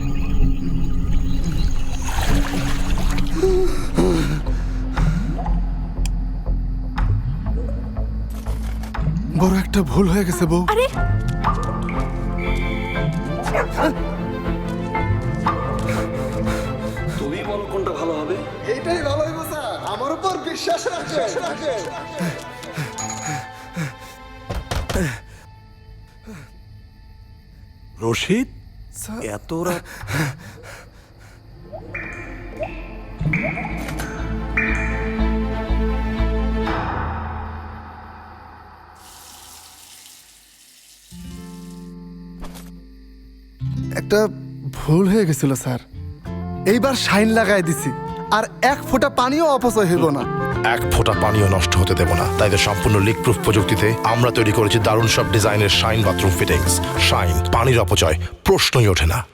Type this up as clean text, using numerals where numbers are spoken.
বড় একটা ভুল হয়ে গেছে বউ। আরে তুমি বলো কোনটা ভালো হবে। এইটাই ভালো হইব স্যার, আমার উপর বিশ্বাস রাখে। রশিদ, এত রাত? একটা ভুল হয়ে গেছিল স্যার, এইবার শাইন লাগাই দিছি, আর এক ফোঁটা পানিও অপচয় হইব না। এক ফোঁটা পানিও নষ্ট হতে দেব না। তাই তো সম্পূর্ণ লিক প্রুফ প্রযুক্তিতে আমরা তৈরি করেছি দারুণ সব ডিজাইনের শাইন বাথরুম ফিটিংস। শাইন, পানির অপচয় প্রশ্নই ওঠে না।